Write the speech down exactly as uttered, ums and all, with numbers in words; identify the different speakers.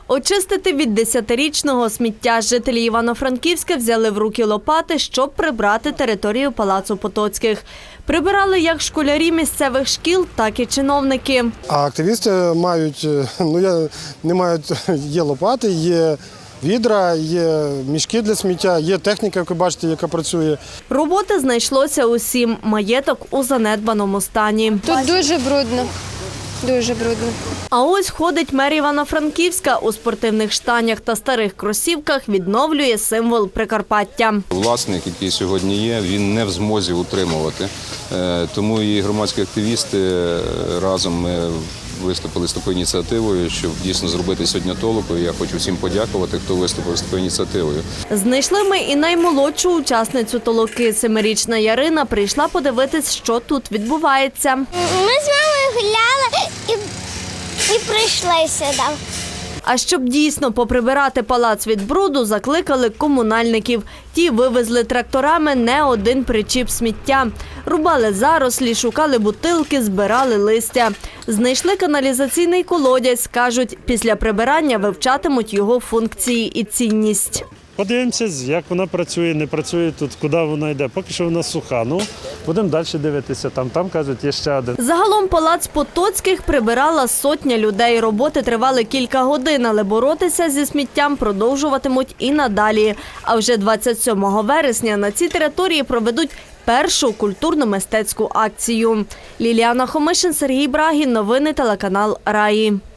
Speaker 1: Очистити від десятирічного сміття жителі Івано-Франківська взяли в руки лопати, щоб прибрати територію Палацу Потоцьких. Прибирали як школярі місцевих шкіл, так і чиновники.
Speaker 2: А активісти мають, ну я не мають, є лопати, є відра, є мішки для сміття, є техніка, як ви бачите, яка працює.
Speaker 1: Роботи знайшлося усім. Маєток у занедбаному стані.
Speaker 3: Тут дуже брудно. Дуже брудно.
Speaker 1: А ось ходить мер Івано-Франківська у спортивних штанях та старих кросівках, відновлює символ Прикарпаття.
Speaker 4: Власник, який сьогодні є, він не в змозі утримувати. Тому і громадські активісти разом ми виступили з такою ініціативою, щоб дійсно зробити сьогодні толоку. Я хочу всім подякувати, хто виступив з такою ініціативою.
Speaker 1: Знайшли ми і наймолодшу учасницю толоки. Семирічна Ярина прийшла подивитись, що тут відбувається.
Speaker 5: Ми з мамою гуляли і, і прийшли сюди.
Speaker 1: А щоб дійсно поприбирати палац від бруду, закликали комунальників. Ті вивезли тракторами не один причіп сміття. Рубали зарослі, шукали бутилки, збирали листя. Знайшли каналізаційний колодязь. Кажуть, після прибирання вивчатимуть його функції і цінність.
Speaker 6: Подивимося, як вона працює, не працює тут, куди вона йде. Поки що вона суха. Ну, будемо далі дивитися. Там, там кажуть, є ще один.
Speaker 1: Загалом палац Потоцьких прибирала сотня людей. Роботи тривали кілька годин, але боротися зі сміттям продовжуватимуть і надалі. А вже двадцять сьомого вересня на цій території проведуть першу культурно-мистецьку акцію. Ліліана Хомишин, Сергій Брагін. Новини телеканал Раї.